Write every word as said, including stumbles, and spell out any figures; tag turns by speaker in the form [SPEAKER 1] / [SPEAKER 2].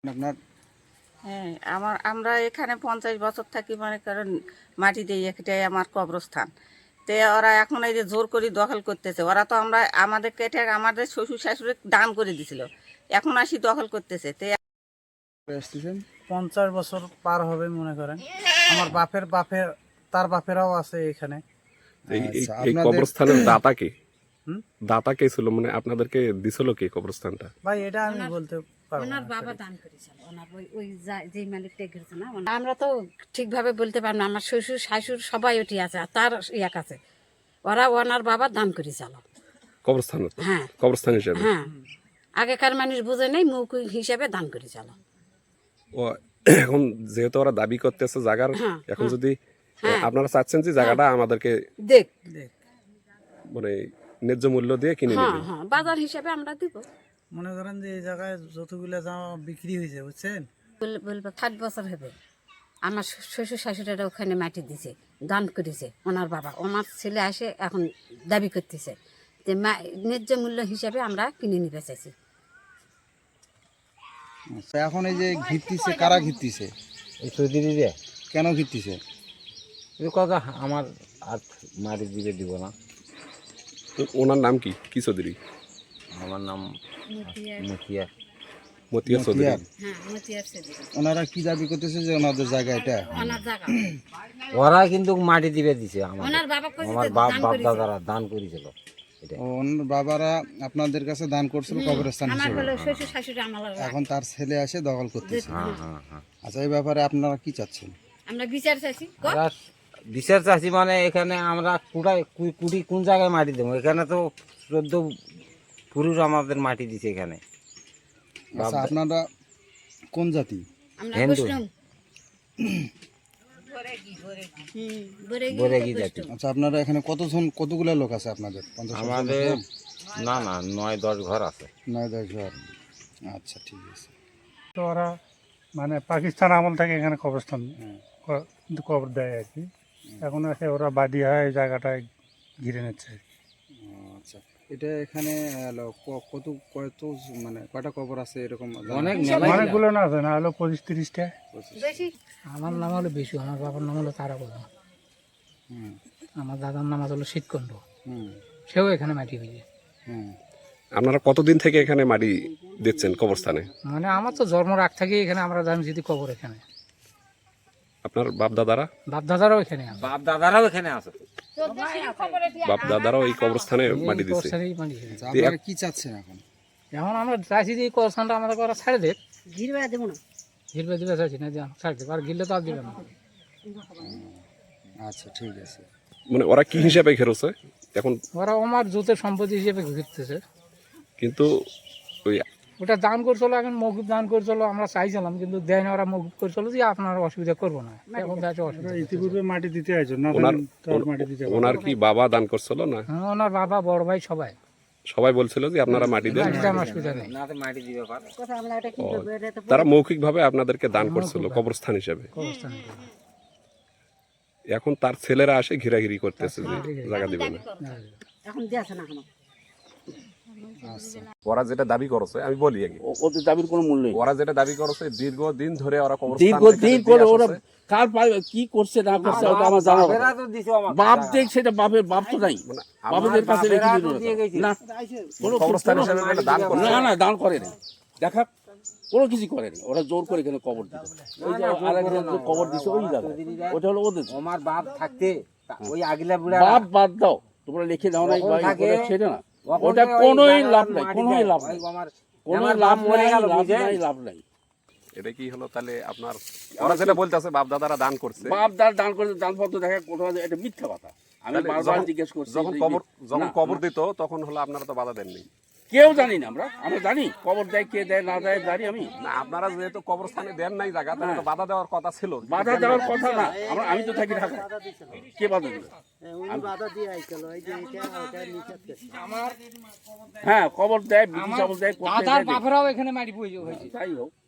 [SPEAKER 1] আপনার
[SPEAKER 2] হ্যাঁ আমার আমরা এখানে পঞ্চাশ বছর থাকি, মনে করেন মাটি দিয়ে এটাই আমার কবরস্থান। তে ওরা এখন এই যে জোর করে দখল করতেছে, ওরা তো আমরা আমাদের কেটে আমাদের শ্বশুর শাশুড়ি দান করে দিছিল, এখন আসি দখল করতেছে। তে
[SPEAKER 1] আসতেছেন
[SPEAKER 3] পঞ্চাশ বছর পার হবে মনে করেন। আমার বাপের বাপের তার বাপেরাও আছে এখানে।
[SPEAKER 4] এই এই-
[SPEAKER 1] আচ্ছা,
[SPEAKER 4] এই
[SPEAKER 1] আপনাদের-
[SPEAKER 4] কবরস্থানের দাতা কে?
[SPEAKER 3] হুম?
[SPEAKER 4] দাতা কে ছিল, মানে আপনাদেরকে দিছিল কে কবরস্থানটা?
[SPEAKER 3] ভাই এটা আমি বলতে পারবো না।
[SPEAKER 5] ওনার বাবা দান করেছিল, ওনার ওই ওই যা- যেই মালিকটা গেছে না, ওনার- আমরা তো ঠিকভাবে বলতে পারবো না। আমার শ্বশুর শাশুর সবাই ওটি আছে, আর তার এক আছে, ওরা ওনার বাবা দান করেছিল।
[SPEAKER 4] কবরস্থান,
[SPEAKER 5] হ্যাঁ
[SPEAKER 4] কবরস্থান হিসেবে।
[SPEAKER 5] হ্যাঁ, আগেকার মানুষ বুঝে নেই, মৌখিক হিসাবে দান করেছিল।
[SPEAKER 4] ও এখন যেহেতু ওরা দাবি করতেছে জায়গার,
[SPEAKER 5] হ্যাঁ,
[SPEAKER 4] এখন যদি
[SPEAKER 5] হ্যাঁ।
[SPEAKER 4] আপনারা চাচ্ছেন যে জায়গাটা আমাদেরকে
[SPEAKER 5] দেখ,
[SPEAKER 4] মানে ন্যায্য মূল্য দিয়ে কিনে
[SPEAKER 5] হ্যাঁ
[SPEAKER 4] নেবেন।
[SPEAKER 5] হ্যাঁ, বাজার হিসাবে আমরা দিব।
[SPEAKER 3] মনে করেন যে এই জায়গায় যতগুলো জামা বিক্রি হয়েছে বুঝছেন,
[SPEAKER 5] বল- বলবো ষাট বছর হবে আমার শ্বশুর শাশুড়িরা ওখানে মাটি দিছে, দান করেছে ওনার বাবা। ওনার ছেলে আসে এখন দাবি করতেছে যে মা- ন্যায্য মূল্য হিসাবে আমরা কিনে নিতে চাইছি।
[SPEAKER 1] আচ্ছা, এখন এই যে ঘিরতিছে, কারা ঘিরতিছে,
[SPEAKER 6] এই চৌধুরীরে
[SPEAKER 1] কেন ঘিরতিছে?
[SPEAKER 6] এই কথা আমার আর মারি দিবে দিব না।
[SPEAKER 4] ও- ওনার নাম কি? কি চৌধুরী?
[SPEAKER 6] আমার নাম মুখিয়া।
[SPEAKER 4] মতিয়া চৌধুরী।
[SPEAKER 1] মতিয়ার।
[SPEAKER 5] হ্যাঁ, মতিয়ার ছেলে।
[SPEAKER 1] ওনারা কি দাবি করতেছে যে ওনাদের জায়গা এটা?
[SPEAKER 5] ওনার জায়গা
[SPEAKER 6] ওরা কিন্তু মাটি দিবে দিছে আমার
[SPEAKER 5] ওনার বাবা কইছে
[SPEAKER 6] আমার
[SPEAKER 5] যে
[SPEAKER 6] বাপ
[SPEAKER 5] দান
[SPEAKER 6] বাপ
[SPEAKER 5] করেছে।
[SPEAKER 6] দাদারা দান করেছিল এটা।
[SPEAKER 1] ও, ওনার বাবারা আপনাদের কাছে দান করছিল কবরস্থান
[SPEAKER 5] আমার
[SPEAKER 1] হিসেবে,
[SPEAKER 5] হলো শ্বশুর শাশুড়ি আমার
[SPEAKER 1] এখন তার ছেলে এসে দখল করতেছে।
[SPEAKER 6] হ্যাঁ হ্যাঁ হ্যাঁ।
[SPEAKER 1] আচ্ছা, এই ব্যাপারে আপনারা কি চাচ্ছেন?
[SPEAKER 5] আমরা বিচার চাইছি।
[SPEAKER 6] আমরা বিচার চাষি মানে এখানে আমরা কুড়াই কুই- কুড়ি কোন জায়গায় মাটি দেবো? এখানে তো চোদ্দ পুরুষ আমাদের মাটি দিছে এখানে।
[SPEAKER 1] আচ্ছা, আপনারা কোন জাতি?
[SPEAKER 5] আমরা
[SPEAKER 6] হিন্দু।
[SPEAKER 5] বৈষ্ণব। হুম, বরেগি
[SPEAKER 6] বরেগি
[SPEAKER 5] তো
[SPEAKER 6] জাতি।
[SPEAKER 5] বৈষ্ণব।
[SPEAKER 1] আচ্ছা, আপনারা এখানে কতজন, কতগুলো লোক আছে আপনাদের? পঞ্চাশ ষাট জন
[SPEAKER 6] আমাদের
[SPEAKER 1] লোক?
[SPEAKER 6] না না নয় দশ ঘর আছে।
[SPEAKER 1] নয় দশ ঘর। আচ্ছা, ঠিক আছে।
[SPEAKER 3] তো ওরা মানে পাকিস্তান আমল থেকে এখানে কবরস্থান
[SPEAKER 1] হুম।
[SPEAKER 3] ক- কবর দেয় আর কি। এখন এসে ওরা বাদী হয় এই জায়গাটায় ঘিরে নিচ্ছে।
[SPEAKER 1] ও, আচ্ছা, এটা এখানে আহ, ক- কত কত মানে কয়টা কবর আছে এরকম জানা?
[SPEAKER 6] অনেক মেলাই
[SPEAKER 3] অনেকগুলো না আছে, না হলো পঁচিশ তিরিশটা।
[SPEAKER 5] বেশি
[SPEAKER 7] আমার নাম হলো বিশু, আমার বাবার নাম হলো তারাপদ,
[SPEAKER 1] হুম
[SPEAKER 7] আমার দাদার নাম হলো শীতকণ্ড,
[SPEAKER 1] হুম
[SPEAKER 7] সেও এখানে মাটি হয়েছে।
[SPEAKER 1] হুম
[SPEAKER 4] আপনারা কতদিন থেকে এখানে মাটি দিচ্ছেন কবরস্থানে?
[SPEAKER 7] মানে আমার তো জন্ম রাখ থেকে এখানে আমরা জানি যদি কবর এখানে,
[SPEAKER 4] আপনার বাপ দাদারা
[SPEAKER 7] বাপ দাদারাও এখানে আছে।
[SPEAKER 6] বাপ দাদারাও এখানে আছে।
[SPEAKER 4] বাপ দাদারাও এই কবরস্থানে মাটি দিচ্ছে।
[SPEAKER 7] কবরস্থানেই মাটি হয়েছে।
[SPEAKER 1] আচ্ছা, আপনারা কি চাচ্ছেন এখন?
[SPEAKER 7] এখন আমরা চাইছি যে এই কবরস্থানটা আমাদের ওরা ছাড়ে দেখ,
[SPEAKER 5] ঘিরবে দেবো না।
[SPEAKER 7] ঘিরবে দিবে চাইছি না যে ছাড় দেবে, আর গিরলে তো আর দিবে না।
[SPEAKER 1] আচ্ছা, ঠিক আছে।
[SPEAKER 4] মানে ওরা কি হিসাবে ঘেরোছে এখন?
[SPEAKER 7] ওরা আমার জোতের সম্পত্তি হিসেবে ঘিরতেছে।
[SPEAKER 4] কিন্তু ওই
[SPEAKER 7] ওটা দান করছিল, এখন মৌকুব দান করছিল, আমরা চাইছিলাম কিন্তু দেয় না, ওরা মৌকুব করছিল যে আপনার অসুবিধা করবো না। এখন দেখো অসুবিধা,
[SPEAKER 3] ইতিপূর্বে মাটি দিতে আইছো না,
[SPEAKER 4] ওনার
[SPEAKER 3] তার মাটি দিতে
[SPEAKER 4] ওনার কি বাবা দান করছিল না?
[SPEAKER 7] হ্যাঁ, ওনার বাবা বড় ভাই সবাই
[SPEAKER 4] সবাই বলছিল যে আপনারা মাটি দেন।
[SPEAKER 7] মাটিতে আমার অসুবিধা নেই।
[SPEAKER 6] না তো মাটি দিবে পারে।
[SPEAKER 5] কথা আমরা এটা কি
[SPEAKER 4] ও,
[SPEAKER 5] করবো, এটা তো
[SPEAKER 4] তারা মৌখিকভাবে আপনাদেরকে দান করছিল কবরস্থান হিসেবে।
[SPEAKER 7] কবরস্থানে
[SPEAKER 4] এখন তার ছেলেরা আসে ঘিরাঘিরি করতেছে যে জায়গা দিবে না।
[SPEAKER 5] এখন দিয়েছে না এখনো।
[SPEAKER 4] ওরা যেটা দাবি করছে আমি বলি আগে,
[SPEAKER 8] ওদের দাবির কোনো মূল্য নেই।
[SPEAKER 4] ওরা যেটা দাবি করছে দীর্ঘদিন ধরে ওরা কবরস্থান
[SPEAKER 8] দীর্ঘদিন
[SPEAKER 4] এখানে
[SPEAKER 8] করে
[SPEAKER 4] দিয়ে
[SPEAKER 8] ওরা
[SPEAKER 4] আসছে।
[SPEAKER 8] কার পায় কি করছে না করছে ওটা আমার জানা
[SPEAKER 6] বাপেরা
[SPEAKER 8] কথা।
[SPEAKER 6] তো দিছে আমাকে
[SPEAKER 8] বাপ
[SPEAKER 6] জায়গা।
[SPEAKER 8] দেখ, সেটা বাপের বাপ তো নাই,
[SPEAKER 4] মানে
[SPEAKER 8] বাপেদের কাছে রেখে
[SPEAKER 6] বাপেরা
[SPEAKER 8] দিল
[SPEAKER 6] তো দিয়ে গেছে।
[SPEAKER 8] না কোনো
[SPEAKER 4] কবরস্থান হিসেবে এটা দান করছে।
[SPEAKER 8] না না দান করে না, দেখা কোনো কিছু করে না, ওরা জোর করে এখানে কবর দিল। ওই যে আরেকজন যে কবর দিছে ওই জায়গা, ওটা হলো ওদের।
[SPEAKER 6] আমার বাপ থাকতে তা- ওই আগিলা বুড়া
[SPEAKER 8] বাপ বাদ দাও, তোমরা লিখে দাও না,
[SPEAKER 6] যখন থাকে,
[SPEAKER 8] ছেড়ে না,
[SPEAKER 6] ওখানে
[SPEAKER 8] ওটা
[SPEAKER 6] ওই
[SPEAKER 8] কোনোই
[SPEAKER 6] জায়গায়
[SPEAKER 8] লাভ নাই,
[SPEAKER 6] মাটি
[SPEAKER 8] কোনোই
[SPEAKER 6] দেয়।
[SPEAKER 8] লাভ
[SPEAKER 6] ওই
[SPEAKER 8] নাই,
[SPEAKER 6] আমার
[SPEAKER 8] কোনো
[SPEAKER 6] আমার
[SPEAKER 8] লাভ
[SPEAKER 6] বাপ মরে
[SPEAKER 8] নাই,
[SPEAKER 6] গেল,
[SPEAKER 8] লাভ
[SPEAKER 6] বুঝেন?
[SPEAKER 8] নাই, লাভ নাই।
[SPEAKER 4] এটা কি হলো তাহলে আপনার? ওরা যেটা বলতেছে বাপ দাদারা দান করছে,
[SPEAKER 8] বাপ দার দান করে দানপত্র দেখা কোথাও এটা মিথ্যা কথা। আমি
[SPEAKER 4] তাহলে
[SPEAKER 8] বারবার
[SPEAKER 4] যখন-
[SPEAKER 8] জিজ্ঞেস করছি
[SPEAKER 4] যখন
[SPEAKER 8] যে-
[SPEAKER 4] কবর যখন
[SPEAKER 8] না,
[SPEAKER 4] কবর দিত তখন হলো আপনারা তো বাধা দেননি।
[SPEAKER 8] কেউ জানি না, আমরা আমরা জানি কবর দেয় কে দেয় না দেয় জানি আমি।
[SPEAKER 4] না, আপনারা যেহেতু কবরস্থানে দেন নাই জায়গা, তাহলে তো বাধা দেওয়ার কথা ছিল।
[SPEAKER 8] বাধা দেওয়ার কথা না, আমরা আমি তো থাকি ঢাকা, কে বাধা দিবে? হ্যাঁ কবর দেয়, বিধি চাবল দেয়, করতে
[SPEAKER 7] দাদার
[SPEAKER 8] দেয়,
[SPEAKER 7] বাপেরাও এখানে মাটি হয়েছে।
[SPEAKER 8] যাই হোক